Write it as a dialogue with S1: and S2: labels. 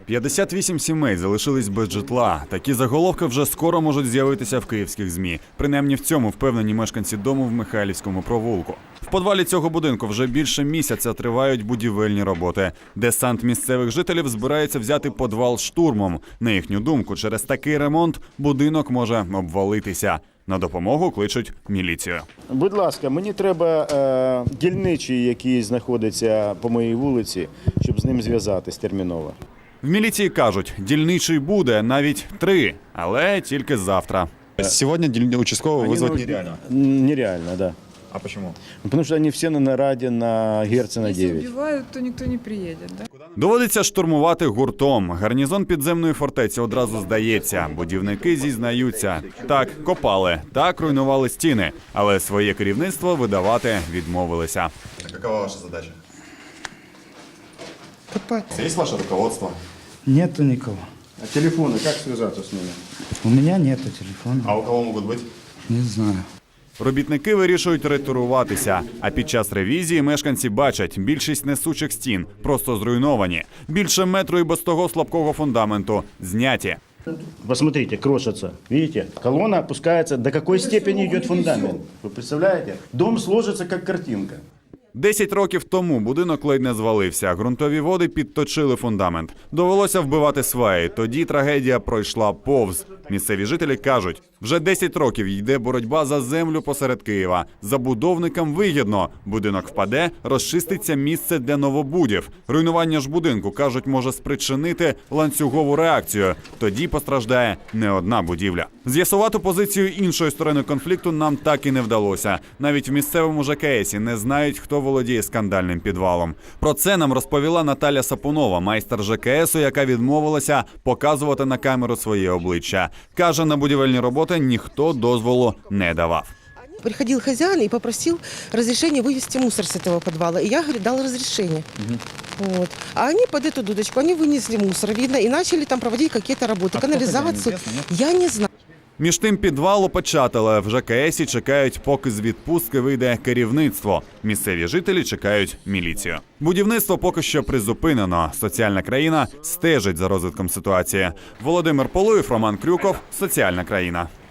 S1: 58 сімей залишились без житла. Такі заголовки вже скоро можуть з'явитися в київських ЗМІ. Принаймні в цьому впевнені мешканці дому в Михайлівському провулку. В подвалі цього будинку вже більше місяця тривають будівельні роботи. Десант місцевих жителів збирається взяти подвал штурмом. На їхню думку, через такий ремонт будинок може обвалитися. На допомогу кличуть міліцію.
S2: Будь ласка, мені треба дільничий, який знаходиться по моїй вулиці, щоб з ним зв'язатись терміново.
S1: В міліції кажуть, дільничий буде навіть 3, але тільки завтра.
S3: Сегодня участкового вызвать нереально.
S2: Нереально, да.
S3: А почему?
S2: Потому что они все на нараде на Герцена
S4: Если
S2: 9.
S4: убивают, то никто не приедет, да?
S1: Доводиться штурмувати гуртом. Гарнізон підземної фортеці одразу здається. Будівники зізнаються. Так, копали, так руйнували стіни, але своє керівництво видавати відмовилися.
S3: А какова ваша задача?
S5: Копать.
S3: Есть ваше руководство?
S5: Нету никого.
S2: А телефоны, как связаться с ними?
S5: У меня нету телефона.
S3: А у кого могут быть?
S5: Не знаю.
S1: Робітники вирішують ретуруватися, а під час ревізії мешканці бачать, більшість несучих стін просто зруйновані. Більше метру і без того слабкого фундаменту зняті.
S2: Посмотрите, крошится. Видите? Колонна опускается. До какой степени идет фундамент? Вы представляете? Дом сложится, как картинка.
S1: 10 років тому будинок ледь не звалився. Ґрунтові води підточили фундамент. Довелося вбивати сваї. Тоді трагедія пройшла повз. Місцеві жителі кажуть, вже 10 років йде боротьба за землю посеред Києва. Забудовникам вигідно. Будинок впаде, розчиститься місце для новобудів. Руйнування ж будинку, кажуть, може спричинити ланцюгову реакцію. Тоді постраждає не одна будівля. З'ясувати позицію іншої сторони конфлікту нам так і не вдалося. Навіть в місцевому ЖКСі не знають, хто володіє скандальним підвалом. Про це нам розповіла Наталя Сапунова, майстер ЖКСу, яка відмовилася показувати на камеру своє обличчя. Каже, на будівельні роботи ніхто дозволу не давав.
S6: Приходил хозяин и попросил разрешения вывести мусор с этого подвала. И я, говорит, дал разрешение. Вот. А они под эту дудочку, они вынесли мусор, видно, и начали там проводить какие-то работы, канализацию. Я не знаю.
S1: Між тим підвал опечатали. В ЖКСі чекають, поки з відпустки вийде керівництво. Місцеві жителі чекають міліцію. Будівництво поки що призупинено. Соціальна країна стежить за розвитком ситуації. Володимир Полуєв, Роман Крюков. Соціальна країна.